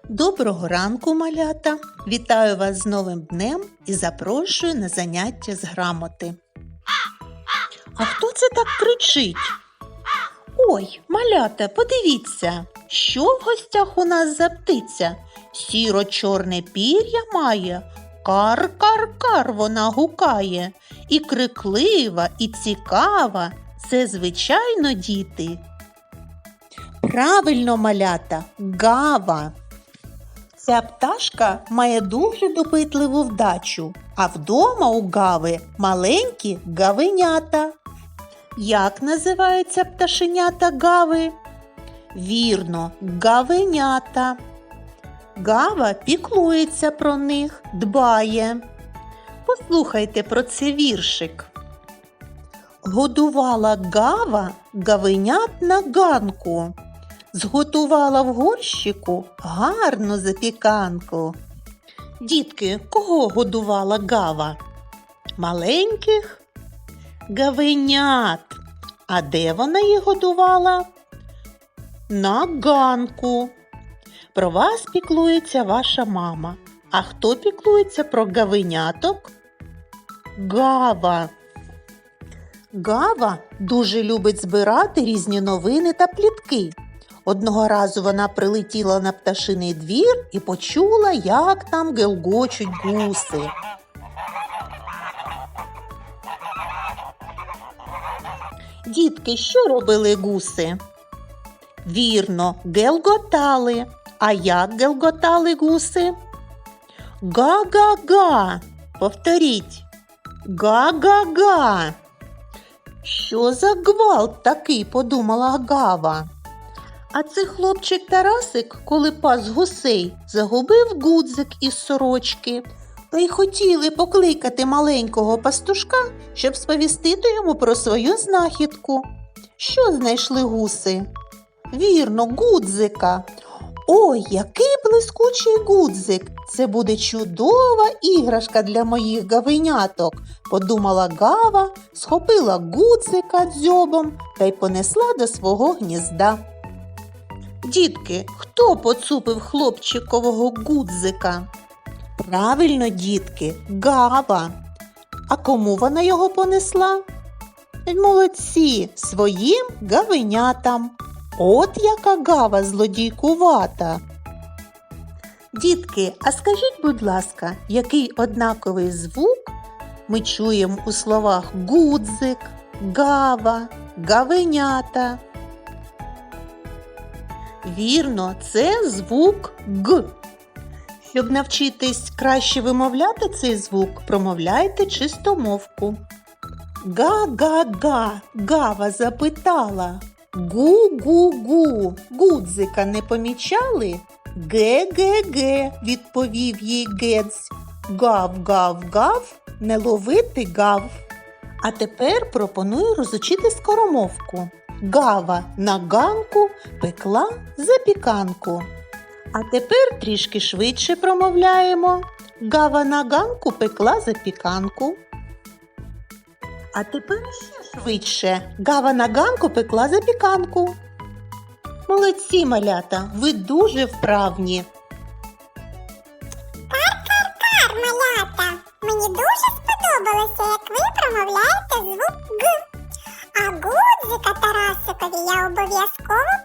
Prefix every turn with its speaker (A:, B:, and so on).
A: Доброго ранку, малята! Вітаю вас з новим днем і запрошую на заняття з грамоти. А хто це так кричить? Ой, малята, подивіться, що в гостях у нас за птиця? Сіро-чорне пір'я має, кар-кар-кар вона гукає. І криклива, і цікава – це, звичайно, діти. Правильно, малята, гава. Ця пташка має дуже допитливу вдачу, а вдома у гави маленькі гавенята. Як називаються пташенята гави? Вірно, гавенята. Гава піклується про них, дбає. Послухайте про це віршик. Годувала гава гавенят на ганку. Зготувала в горщику гарну запіканку. Дітки, кого годувала гава? Маленьких гавенят. А де вона їх годувала? На ганку. Про вас піклується ваша мама. А хто піклується про гавеняток? Гава. Гава дуже любить збирати різні новини та плітки. Одного разу вона прилетіла на пташиний двір і почула, як там гелгочуть гуси. Дітки, що робили гуси? Вірно, гелготали. А як гелготали гуси? Га-га-га. Повторіть. Га-га-га. Що за гвалт такий, подумала гава. А це хлопчик Тарасик, коли пас гусей, загубив гудзик із сорочки. Та й хотіли покликати маленького пастушка, щоб сповістити йому про свою знахідку. Що знайшли гуси? Вірно, гудзика. Ой, який блискучий гудзик! Це буде чудова іграшка для моїх гавеняток, подумала гава, схопила гудзика дзьобом та й понесла до свого гнізда. Дітки, хто поцупив хлопчикового гудзика? Правильно, дітки, гава. А кому вона його понесла? Молодці, своїм гавенятам. От яка гава злодійкувата. Дітки, а скажіть, будь ласка, який однаковий звук ми чуємо у словах гудзик, гава, гавенята? Вірно, це звук Г. Щоб навчитись краще вимовляти цей звук, промовляйте чистомовку. Га-га-га, гава запитала. Гу-гу-гу, гудзика не помічали? Ге-ге-ге, відповів їй Гець. Гав-гав-гав, не ловити гав. А тепер пропоную розучити скоромовку. Гава на ганку пекла запіканку. А тепер трішки швидше промовляємо. Гава на ганку пекла запіканку. А тепер ще швидше. Гава на ганку пекла запіканку. Молодці, малята, ви дуже вправні.
B: Кар-кар-кар, малята! Мені дуже сподобалося, як ви промовляєте звук Г. А гудзика Тарасикові я обов'язково